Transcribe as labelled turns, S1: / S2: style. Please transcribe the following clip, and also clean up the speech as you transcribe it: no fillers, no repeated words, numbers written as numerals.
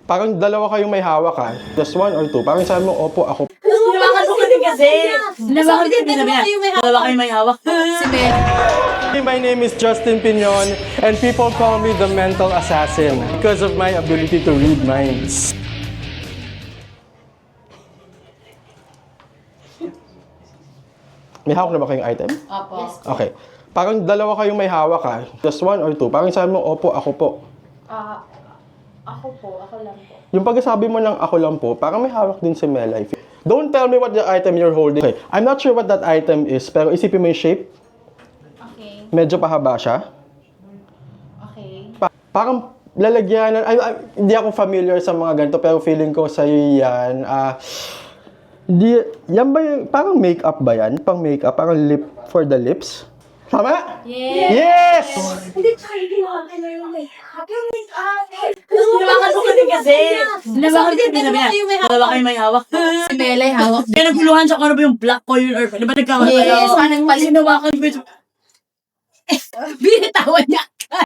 S1: Parang dalawa kayong may hawak ha. Just one or two. Parang sabi mo, opo, ako.
S2: Hinawakan mo kasi kasi. Hinawakan ko din dalawa kayo may hawak. Si Mel.
S1: My name is Justin Piñon and people call me the mental assassin because of my ability to read minds. May hawak na ba kayong item?
S2: Opo.
S1: Okay. Parang dalawa kayong may hawak ha. Just one or two. Parang sabi mo, opo, ako po.
S3: Ako lang po.
S1: Yung pagsasabi mo ng ako lang po, parang may hawak din si Mel. Don't tell me what the item you're holding. Okay. I'm not sure what that item is, pero isipin mo yung shape.
S3: Okay.
S1: Medyo pahaba siya.
S3: Okay.
S1: Parang lalagyan, hindi ako familiar sa mga ganito, pero feeling ko sa'yo yan. Yan ba yung, parang makeup ba yan? Pang makeup, parang lip for the lips? Tama? Yes!
S3: Hindi, tsaka hindi ako yung may
S2: Hinawakan mo kasi. Hinawakan ko din dalawa kayo may hawak. Si Mel ay hawak. Kaya nagtuluhan siya kung ano ba yung black ko yun or di ba nagkakaroon?
S3: Yes, parang mali.
S2: Hinawakan ko yun.
S3: binitawan niya.